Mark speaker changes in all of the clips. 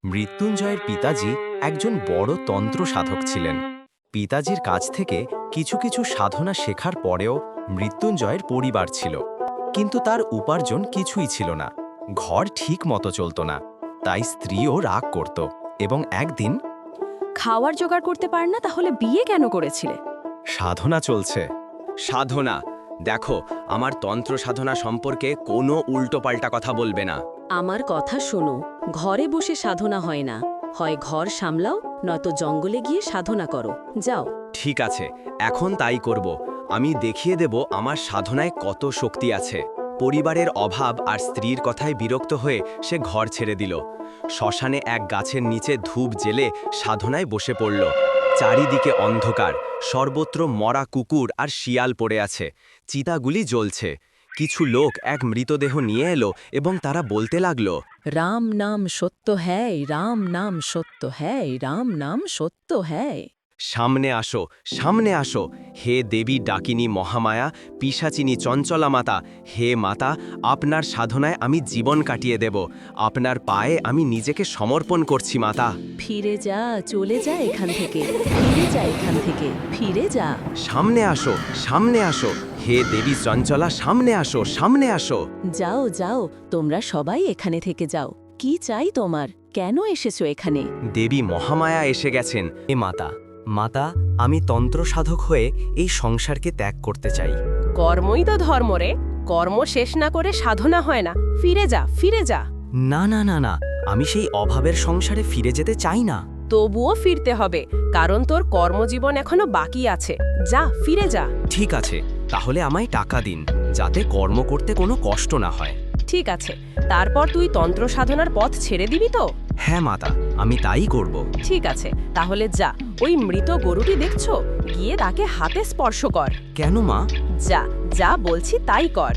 Speaker 1: মৃত্যুঞ্জয়ের পিতাজি একজন বড় তন্ত্র সাধক ছিলেন। পিতাজির কাছ থেকে কিছু কিছু সাধনা শেখার পরেও মৃত্যুঞ্জয়ের পরিবার ছিল, কিন্তু তার উপার্জন কিছুই ছিল না। ঘর ঠিক মতো চলত না, তাই স্ত্রীও রাগ করত। এবং একদিন,
Speaker 2: খাওয়ার জোগাড় করতে পার না, তাহলে বিয়ে কেন করেছিলে?
Speaker 1: সাধনা চলছে।
Speaker 3: সাধনা? দেখো, আমার তন্ত্র সাধনা সম্পর্কে কোনো উল্টোপাল্টা কথা বলবে না।
Speaker 2: আমার কথা শোনো, ঘরে বসে সাধনা হয় না। হয় ঘর সামলাও, নয়তো জঙ্গলে গিয়ে সাধনা করো। যাও।
Speaker 3: ঠিক আছে, এখন তাই করব। আমি দেখিয়ে দেব আমার সাধনায় কত শক্তি আছে। পরিবারের অভাব আর স্ত্রীর কথায় বিরক্ত হয়ে সে ঘর ছেড়ে দিল। শ্মশানে এক গাছের নিচে ধূপ জেলে সাধনায় বসে পড়ল। চারিদিকে অন্ধকার, সর্বত্র মরা কুকুর আর শিয়াল পড়ে আছে। চিতাগুলি জ্বলছে। কিছু লোক এক মৃতদেহ নিয়ে এলো এবং তারা বলতে লাগলো,
Speaker 2: রাম নাম সত্য হ্যায়, রাম নাম সত্য হ্যায়, রাম নাম সত্য হ্যায়।
Speaker 3: সামনে আসো, সামনে আসো, হে দেবী ডাকিনী মহামায়া, পিশাচিনী চঞ্চলা মাতা। হে মাতা, আপনার সাধনায় আমি জীবন কাটিয়ে দেব। আপনার পায়ে আমি নিজেকে সমর্পণ করছি মাতা।
Speaker 2: ফিরে যা, চলে যা এখান থেকে, ফিরে যা এখান থেকে, ফিরে যা।
Speaker 3: সামনে আসো, সামনে আসো, হে দেবী চঞ্চলা, সামনে আসো, সামনে আসো।
Speaker 2: যাও যাও, তোমরা সবাই এখানে থেকে যাও। কি চাই তোমার? কেন এসেছো এখানে?
Speaker 3: দেবী মহামায়া এসে গেছেন।
Speaker 1: এ মাতা, মাতা, আমি তন্ত্র সাধক হয়ে এই সংসারকে ত্যাগ করতে চাই।
Speaker 4: কর্মই তো ধর্ম রে। কর্ম শেষ না করে সাধনা হয় না। ফিরে যা, ফিরে যা।
Speaker 1: না না না না, আমি সেই অভাবের সংসারে ফিরে যেতে চাই না।
Speaker 4: তবুও ফিরতে হবে, কারণ তোর কর্মজীবন এখনো বাকি আছে। যা, ফিরে যা।
Speaker 1: ঠিক আছে, তাহলে আমায় টাকা দিন, যাতে কর্ম করতে কোনো কষ্ট না হয়।
Speaker 4: ঠিক আছে, তারপর তুই তন্ত্র সাধনার পথ ছেড়ে দিবি তো?
Speaker 1: হ্যাঁ মাতা, আমি তাই করব।
Speaker 4: ঠিক আছে, তাহলে যা। ওই মৃত গরুটি দেখছো? গিয়ে তাকে হাতে স্পর্শ কর।
Speaker 1: কেন মা?
Speaker 4: যা, যা বলছি তাই কর।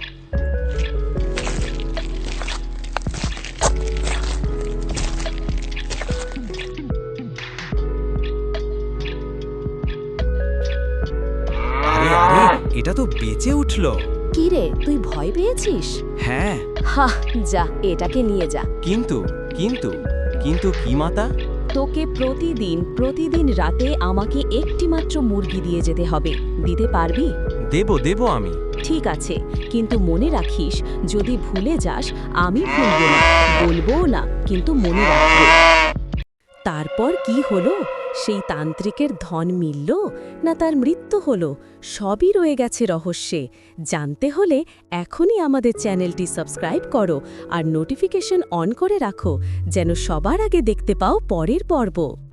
Speaker 1: আরে আরে, এটা তো বেঁচে উঠল।
Speaker 2: কি রে, তুই ভয় পেয়েছিস?
Speaker 1: হ্যাঁ,
Speaker 2: হা, যা, এটাকে নিয়ে যা।
Speaker 1: কিন্তু কিন্তু কিন্তু কি মাতা?
Speaker 2: তোকে প্রতিদিন রাতে আমাকে একটি মাত্র মুরগি দিয়ে যেতে হবে। দিতে পারবি?
Speaker 1: দেব আমি।
Speaker 2: ঠিক আছে, কিন্তু মনে রাখিস, যদি ভুলে যাস আমি ভুলবো না, বলবোও না, কিন্তু মনে রাখবো। তারপর কি হলো? সেই তান্ত্রিকের ধন মিলল না তার মৃত্যু হলো? সবই রয়ে গেছে রহস্যে। জানতে হলে এখনই আমাদের চ্যানেলটি সাবস্ক্রাইব করো আর নোটিফিকেশন অন করে রাখো, যেন সবার আগে দেখতে পাও পরের পর্ব।